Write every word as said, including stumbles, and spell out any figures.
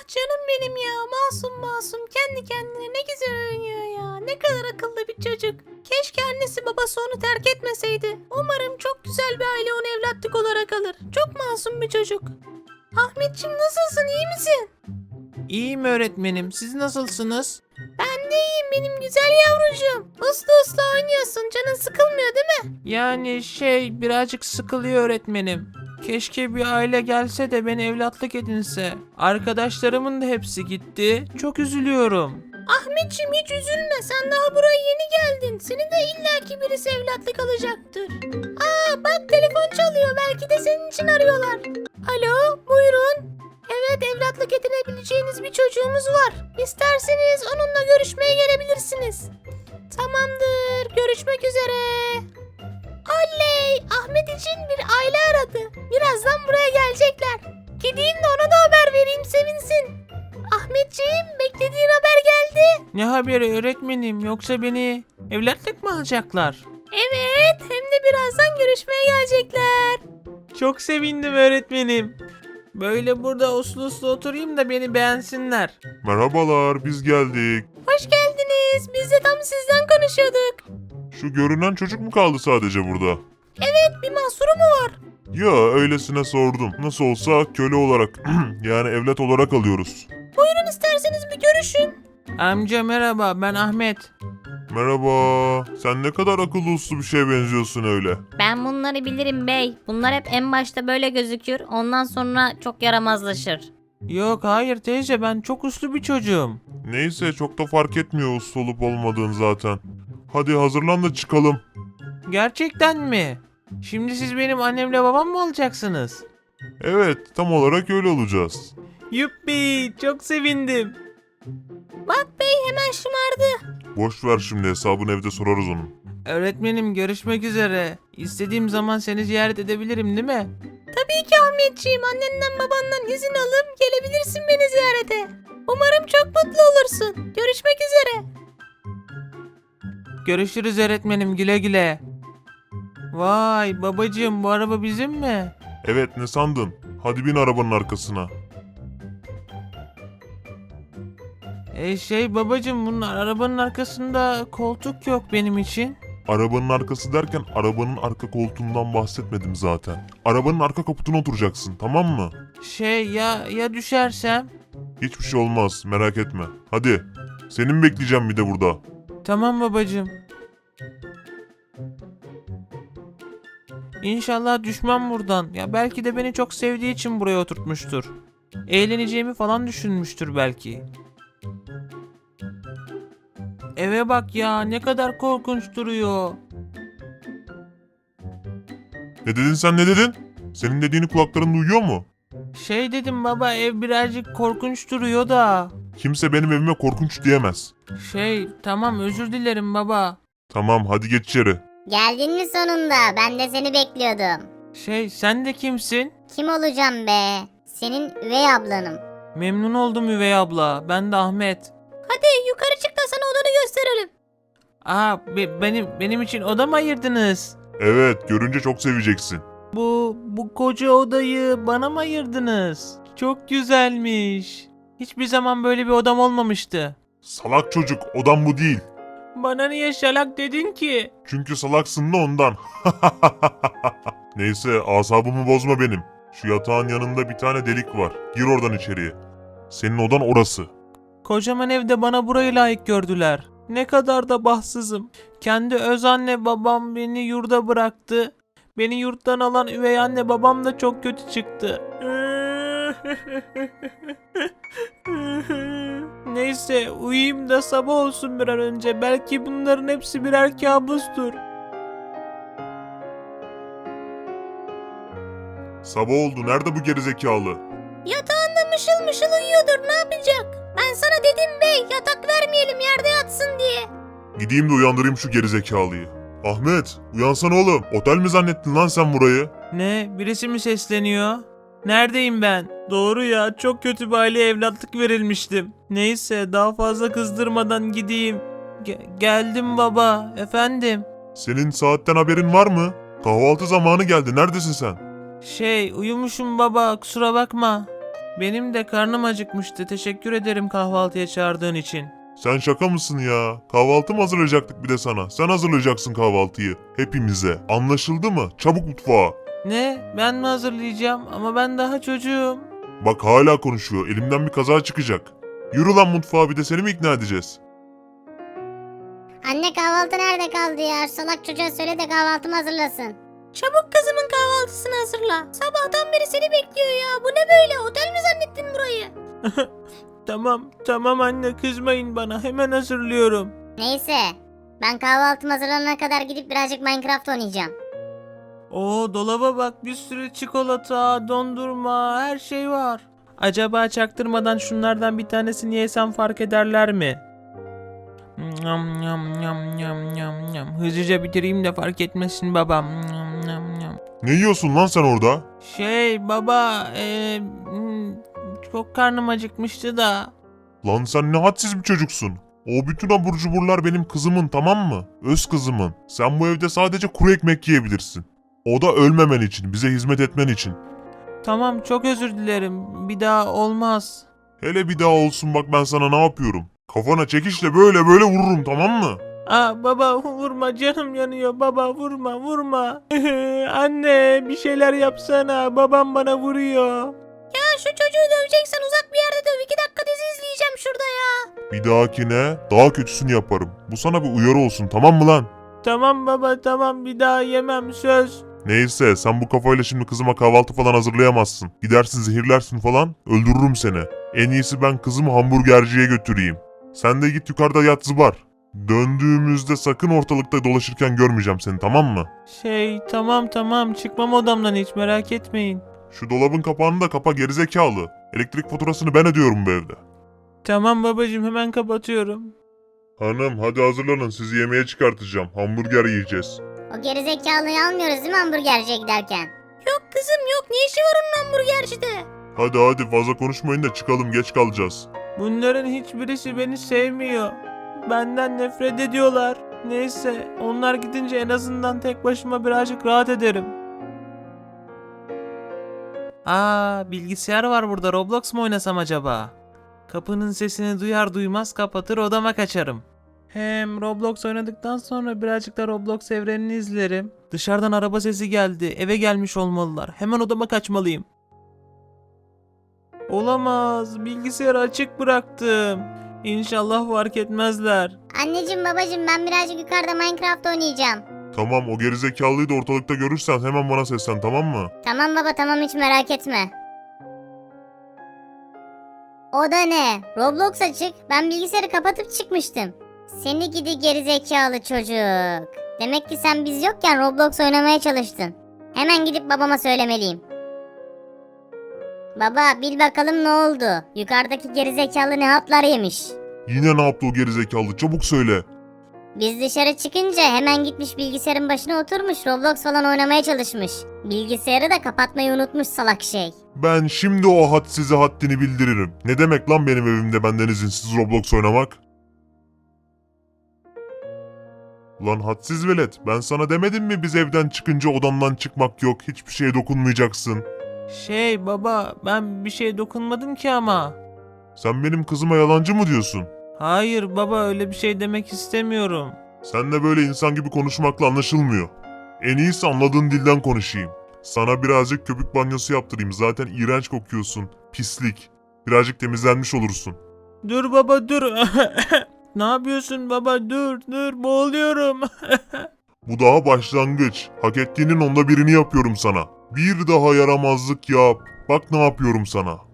canım benim ya. Masum masum kendi kendine ne güzel oynuyor ya. Ne kadar akıllı bir çocuk. Keşke annesi babası onu terk etmeseydi. Umarım çok güzel bir aile onu evlatlık olarak alır. Çok masum bir çocuk. Ahmetciğim nasılsın, iyi misin? İyiyim öğretmenim. Siz nasılsınız? Ben de iyiyim benim güzel yavrucuğum. Uslu uslu oynuyorsun. Canın sıkılmıyor değil mi? Yani şey birazcık sıkılıyor öğretmenim. Keşke bir aile gelse de beni evlatlık edinse. Arkadaşlarımın da hepsi gitti. Çok üzülüyorum. Ahmetciğim hiç üzülme. Sen daha buraya yeni geldin. Seni de illaki birisi evlatlık alacaktır. Aa bak telefon çalıyor. Belki de senin için arıyorlar. Alo buyurun. Evet evlatlık edinebileceğiniz bir çocuğumuz var. İsterseniz onunla görüşmeye gelebilirsiniz. Tamamdır. Görüşmek üzere. Oley! Ahmet için bir aile aradı. Birazdan buraya gelecekler. Gideyim de ona da haber vereyim sevinsin. Ahmetciğim beklediğin haber geldi. Ne haberi öğretmenim? Yoksa beni evlatlık mı alacaklar? Evet hem de birazdan görüşmeye gelecekler. Çok sevindim öğretmenim. Böyle burada uslu uslu oturayım da beni beğensinler. Merhabalar, biz geldik. Hoş geldiniz. Biz de tam sizden konuşuyorduk. Şu görünen çocuk mu kaldı sadece burada? Evet bir mahsuru mu var? Ya öylesine sordum. Nasıl olsa köle olarak yani evlat olarak alıyoruz. Buyurun isterseniz bir görüşün. Amca merhaba, ben Ahmet. Merhaba. Sen ne kadar akıllı uslu bir şeye benziyorsun öyle. Ben bunları bilirim bey. Bunlar hep en başta böyle gözükür. Ondan sonra çok yaramazlaşır. Yok hayır teyze, ben çok uslu bir çocuğum. Neyse çok da fark etmiyor uslu olup olmadığın zaten. Hadi hazırlan da çıkalım. Gerçekten mi? Şimdi siz benim annemle babam mı olacaksınız? Evet, tam olarak öyle olacağız. Yuppi, çok sevindim. Bak bey hemen şımardı. Boş ver şimdi, hesabını evde sorarız onun. Öğretmenim görüşmek üzere. İstediğim zaman seni ziyaret edebilirim değil mi? Tabii ki Ahmetciğim annenden babandan izin alıp gelebilirsin beni ziyarete. Umarım çok mutlu olursun. Görüşmek üzere. Görüşürüz öğretmenim, güle güle. Vay babacığım, bu araba bizim mi? Evet, ne sandın? Hadi bin arabanın arkasına. E şey babacığım, bunun arabanın arkasında koltuk yok benim için. Arabanın arkası derken arabanın arka koltuğundan bahsetmedim zaten. Arabanın arka kaputuna oturacaksın, tamam mı? Şey ya ya düşersem? Hiçbir şey olmaz, merak etme. Hadi. Senin bekleyeceğim bir de burada. Tamam babacığım. İnşallah düşmem buradan. Ya belki de beni çok sevdiği için buraya oturtmuştur. Eğleneceğimi falan düşünmüştür belki. Eve bak ya, ne kadar korkunç duruyor. Ne dedin sen, ne dedin? Senin dediğini kulakların duyuyor mu? Şey dedim baba, ev birazcık korkunç duruyor da. Kimse benim evime korkunç diyemez. Şey tamam, özür dilerim baba. Tamam, hadi geç içeri. Geldin mi sonunda? Ben de seni bekliyordum. Şey sen de kimsin? Kim olacağım be? Senin üvey ablanım. Memnun oldum üvey abla. Ben de Ahmet. Hadi yukarı çık da sana odanı gösterelim. Aa be- benim benim için oda mı ayırdınız? Evet, görünce çok seveceksin. Bu bu koca odayı bana mı ayırdınız? Çok güzelmiş. Hiçbir zaman böyle bir odam olmamıştı. Salak çocuk, odam bu değil. Bana niye şalak dedin ki? Çünkü salaksın da ondan. Neyse, asabımı bozma benim. Şu yatağın yanında bir tane delik var. Gir oradan içeriye. Senin odan orası. Kocaman evde bana burayı layık gördüler. Ne kadar da bahtsızım. Kendi öz anne babam beni yurda bıraktı. Beni yurttan alan üvey anne babam da çok kötü çıktı. Neyse uyuyayım da sabah olsun bir an önce. Belki bunların hepsi birer kabustur. Sabah oldu, nerede bu gerizekalı? Yatağında mışıl mışıl uyuyordur ne yapacak? Ben sana dedim bey yatak vermeyelim yerde yatsın diye. Gideyim de uyandırayım şu gerizekalıyı. Ahmet, uyansana oğlum. Otel mi zannettin lan sen burayı? Ne? Birisi mi sesleniyor? Neredeyim ben? Doğru ya, çok kötü bir aileye evlatlık verilmiştim. Neyse daha fazla kızdırmadan gideyim. Ge- geldim baba, efendim. Senin saatten haberin var mı? Kahvaltı zamanı geldi, neredesin sen? Şey uyumuşum baba, kusura bakma. Benim de karnım acıkmıştı. Teşekkür ederim kahvaltıya çağırdığın için. Sen şaka mısın ya? Kahvaltı mı hazırlayacaktık bir de sana? Sen hazırlayacaksın kahvaltıyı. Hepimize. Anlaşıldı mı? Çabuk mutfağa. Ne? Ben mi hazırlayacağım? Ama ben daha çocuğum. Bak hala konuşuyor. Elimden bir kaza çıkacak. Yürü lan mutfağa, bir de seni mi ikna edeceğiz? Anne kahvaltı nerede kaldı ya? Salak çocuğa söyle de kahvaltımı hazırlasın. Çabuk kızımın kahvaltısını hazırla. Sabahtan beri seni bekliyor ya. Bu ne böyle? Otel mi zannettin burayı? Tamam, tamam anne kızmayın bana. Hemen hazırlıyorum. Neyse. Ben kahvaltım hazırlanana kadar gidip birazcık Minecraft oynayacağım. Oo dolaba bak, bir sürü çikolata, dondurma, her şey var. Acaba çaktırmadan şunlardan bir tanesini yesem fark ederler mi? Yam yam yam yam yam yam. Hızlıca bitireyim de fark etmesin babam. Yam yam yam. Ne yiyorsun lan sen orada? Şey baba, eee, hmm, çok karnım acıkmıştı da. Lan sen ne hadsiz bir çocuksun. O bütün abur cuburlar benim kızımın, tamam mı? Öz kızımın. Sen bu evde sadece kuru ekmek yiyebilirsin. O da ölmemen için, bize hizmet etmen için. Tamam, çok özür dilerim. Bir daha olmaz. Hele bir daha olsun, bak ben sana ne yapıyorum. Kafana çekişle böyle böyle vururum, tamam mı? Aa baba vurma, canım yanıyor baba, vurma vurma. Anne bir şeyler yapsana, babam bana vuruyor. Ya şu çocuğu döveceksen uzak bir yerde döv. İki dakika dizi izleyeceğim şurada ya. Bir dahakine daha kötüsünü yaparım. Bu sana bir uyarı olsun, tamam mı lan? Tamam baba, tamam, bir daha yemem, söz. Neyse, sen bu kafayla şimdi kızıma kahvaltı falan hazırlayamazsın. Gidersin zehirlersin falan, öldürürüm seni. En iyisi ben kızımı hamburgerciye götüreyim. Sen de git yukarıda yat zıbar. Döndüğümüzde sakın ortalıkta dolaşırken görmeyeceğim seni, tamam mı? Şey tamam tamam, çıkmam odamdan, hiç merak etmeyin. Şu dolabın kapağını da kapa gerizekalı. Elektrik faturasını ben ödüyorum bu evde. Tamam babacığım, hemen kapatıyorum. Hanım hadi hazırlanın, sizi yemeğe çıkartacağım. Hamburger yiyeceğiz. O gerizekalıyı almıyoruz değil mi hamburgerciye giderken? Yok kızım yok. Ne işi var onun hamburgercide? Hadi hadi fazla konuşmayın da çıkalım, geç kalacağız. Bunların hiçbirisi beni sevmiyor. Benden nefret ediyorlar. Neyse, onlar gidince en azından tek başıma birazcık rahat ederim. Aa, bilgisayar var burada. Roblox mu oynasam acaba? Kapının sesini duyar duymaz kapatır, odama kaçarım. Hem Roblox oynadıktan sonra birazcık da Roblox evrenini izlerim. Dışarıdan araba sesi geldi. Eve gelmiş olmalılar. Hemen odama kaçmalıyım. Olamaz. Bilgisayarı açık bıraktım. İnşallah fark etmezler. Anneciğim babacığım ben birazcık yukarıda Minecraft oynayacağım. Tamam, o gerizekalıyı da ortalıkta görürsen hemen bana seslen, tamam mı? Tamam baba tamam hiç merak etme. O da ne? Roblox açık. Ben bilgisayarı kapatıp çıkmıştım. Seni gidi gerizekalı çocuk. Demek ki sen biz yokken Roblox oynamaya çalıştın. Hemen gidip babama söylemeliyim. Baba bil bakalım ne oldu? Yukarıdaki gerizekalı ne hatlar yemiş? Yine ne yaptı o gerizekalı, çabuk söyle. Biz dışarı çıkınca hemen gitmiş bilgisayarın başına oturmuş Roblox falan oynamaya çalışmış. Bilgisayarı da kapatmayı unutmuş salak şey. Ben şimdi o hadsize haddini bildiririm. Ne demek lan benim evimde benden izinsiz Roblox oynamak? Lan hadsiz velet, ben sana demedim mi biz evden çıkınca odandan çıkmak yok, hiçbir şeye dokunmayacaksın. Şey baba, ben bir şey dokunmadım ki ama. Sen benim kızıma yalancı mı diyorsun? Hayır baba, öyle bir şey demek istemiyorum. Seninle böyle insan gibi konuşmakla anlaşılmıyor. En iyisi anladığın dilden konuşayım. Sana birazcık köpük banyosu yaptırayım, zaten iğrenç kokuyorsun, pislik. Birazcık temizlenmiş olursun. Dur baba dur. Ne yapıyorsun baba, dur dur, boğuluyorum. Bu daha başlangıç. Hak ettiğinin onda birini yapıyorum sana. Bir daha yaramazlık yap. Bak ne yapıyorum sana.